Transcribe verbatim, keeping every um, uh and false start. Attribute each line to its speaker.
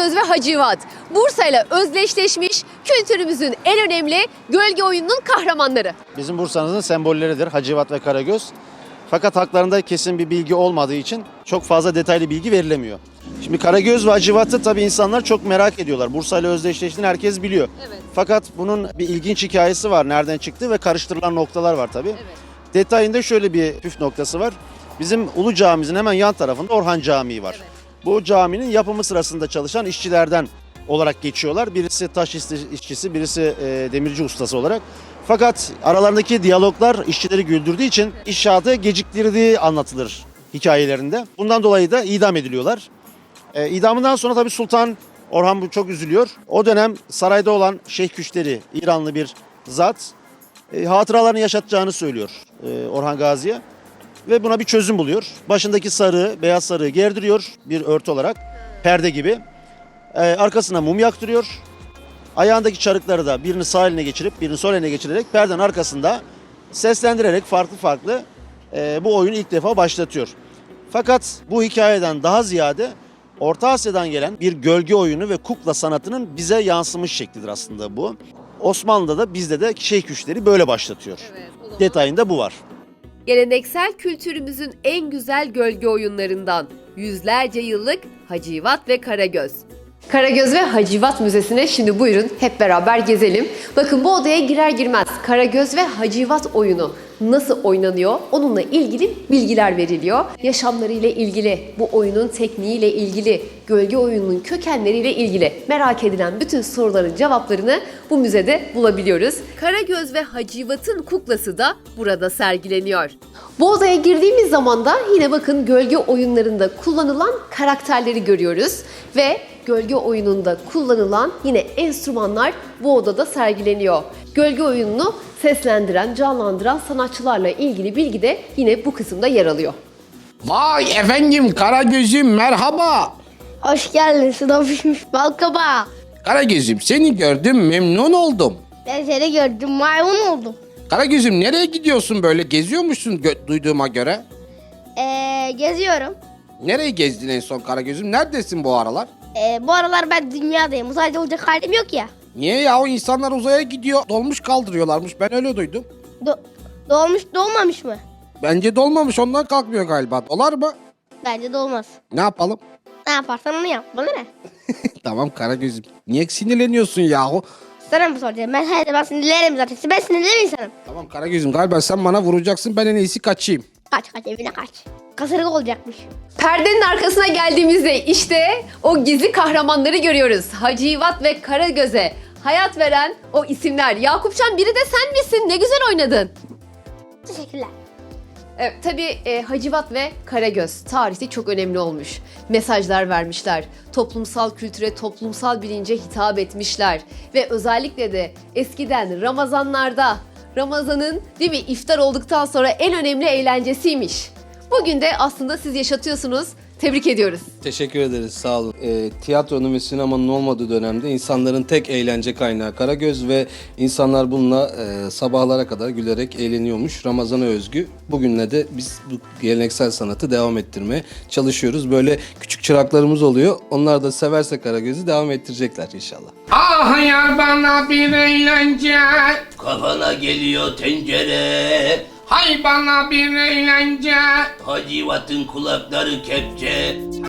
Speaker 1: Karagöz ve Hacivat, Bursa ile özdeşleşmiş kültürümüzün en önemli gölge oyununun kahramanları.
Speaker 2: Bizim Bursa'mızın sembolleridir Hacivat ve Karagöz. Fakat haklarında kesin bir bilgi olmadığı için çok fazla detaylı bilgi verilemiyor. Şimdi Karagöz ve Hacivat'ı tabii insanlar çok merak ediyorlar. Bursa ile özdeşleştiğini herkes biliyor.
Speaker 1: Evet.
Speaker 2: Fakat bunun bir ilginç hikayesi var. Nereden çıktı ve karıştırılan noktalar var tabii.
Speaker 1: Evet.
Speaker 2: Detayında şöyle bir püf noktası var. Bizim Ulu Camimizin hemen yan tarafında Orhan Camii var.
Speaker 1: Evet.
Speaker 2: Bu caminin yapımı sırasında çalışan işçilerden olarak geçiyorlar. Birisi taş işçisi, birisi e, demirci ustası olarak. Fakat aralarındaki diyaloglar işçileri güldürdüğü için inşaatı geciktirdiği anlatılır hikayelerinde. Bundan dolayı da idam ediliyorlar. E, idamından sonra tabii Sultan Orhan bu çok üzülüyor. O dönem sarayda olan Şeyh Küşteri, İranlı bir zat, e, hatıralarını yaşatacağını söylüyor e, Orhan Gazi'ye. Ve buna bir çözüm buluyor. Başındaki sarığı, beyaz sarığı gerdiriyor bir örtü olarak, perde gibi. Ee, arkasına mum yaktırıyor. Ayağındaki çarıkları da birini sağ eline geçirip birini sol eline geçirerek perdenin arkasında seslendirerek farklı farklı e, bu oyunu ilk defa başlatıyor. Fakat bu hikayeden daha ziyade Orta Asya'dan gelen bir gölge oyunu ve kukla sanatının bize yansımış şeklidir aslında bu. Osmanlı'da da bizde de Şeyh Küşteri böyle başlatıyor.
Speaker 1: Evet, o zaman-
Speaker 2: Detayında bu var.
Speaker 1: Geleneksel kültürümüzün en güzel gölge oyunlarından yüzlerce yıllık Hacivat ve Karagöz. Karagöz ve Hacivat Müzesi'ne şimdi buyurun hep beraber gezelim. Bakın bu odaya girer girmez Karagöz ve Hacivat oyunu nasıl oynanıyor onunla ilgili bilgiler veriliyor. Yaşamlarıyla ilgili, bu oyunun tekniğiyle ilgili, gölge oyununun kökenleriyle ilgili merak edilen bütün soruların cevaplarını bu müzede bulabiliyoruz. Karagöz ve Hacivat'ın kuklası da burada sergileniyor. Bu odaya girdiğimiz zaman da yine bakın gölge oyunlarında kullanılan karakterleri görüyoruz ve gölge oyununda kullanılan yine enstrümanlar bu odada sergileniyor. Gölge oyununu seslendiren, canlandıran sanatçılarla ilgili bilgi de yine bu kısımda yer alıyor.
Speaker 3: Vay efendim Karagöz'üm merhaba.
Speaker 4: Hoş geldin sınav pişmiş balkaba.
Speaker 3: Karagöz'üm seni gördüm memnun oldum.
Speaker 4: Ben seni gördüm maymun oldum.
Speaker 3: Karagöz'üm nereye gidiyorsun böyle geziyormuşsun gö- duyduğuma göre.
Speaker 4: Ee, geziyorum.
Speaker 3: Nereye gezdin en son Karagöz'üm neredesin bu aralar?
Speaker 4: Ee, bu aralar ben dünyadayım. Uzayda olacak halim yok ya.
Speaker 3: Niye ya o insanlar uzaya gidiyor dolmuş kaldırıyorlarmış ben öyle duydum.
Speaker 4: Do- doğmuş doğmamış mı?
Speaker 3: Bence dolmamış ondan kalkmıyor galiba dolar mı?
Speaker 4: Bence de olmaz.
Speaker 3: Ne yapalım?
Speaker 4: Ne yaparsan onu yap. Bana ne?
Speaker 3: Tamam Karagöz'üm niye sinirleniyorsun yahu?
Speaker 4: Sana mı soracağım? Ben her zaman sinirlerim zaten. Ben sinirli bir insanım.
Speaker 3: Tamam Karagöz'üm galiba sen bana vuracaksın ben en iyisi kaçayım.
Speaker 4: Kaç kaç evine kaç. Kasırga olacakmış.
Speaker 1: Perdenin arkasına geldiğimizde işte o gizli kahramanları görüyoruz. Hacivat ve Karagöz'e hayat veren o isimler. Yakupcan biri de sen misin? Ne güzel oynadın.
Speaker 4: Teşekkürler.
Speaker 1: Evet, tabii e, Hacivat ve Karagöz tarihte çok önemli olmuş. Mesajlar vermişler. Toplumsal kültüre, toplumsal bilince hitap etmişler. Ve özellikle de eskiden Ramazanlarda, Ramazan'ın değil mi iftar olduktan sonra en önemli eğlencesiymiş. Bugün de aslında siz yaşatıyorsunuz. Tebrik ediyoruz.
Speaker 5: Teşekkür ederiz, sağ olun. E, tiyatronun ve sinemanın olmadığı dönemde insanların tek eğlence kaynağı Karagöz ve insanlar bununla e, sabahlara kadar gülerek eğleniyormuş. Ramazan'a özgü. Bugünle de biz bu geleneksel sanatı devam ettirmeye çalışıyoruz. Böyle küçük çıraklarımız oluyor. Onlar da severse Karagöz'ü devam ettirecekler inşallah.
Speaker 3: Ah yar bana bir eğlence.
Speaker 6: Kafana geliyor tencere,
Speaker 3: Hay bana bir eğlence.
Speaker 6: Hacivat'ın kulakları kepçe.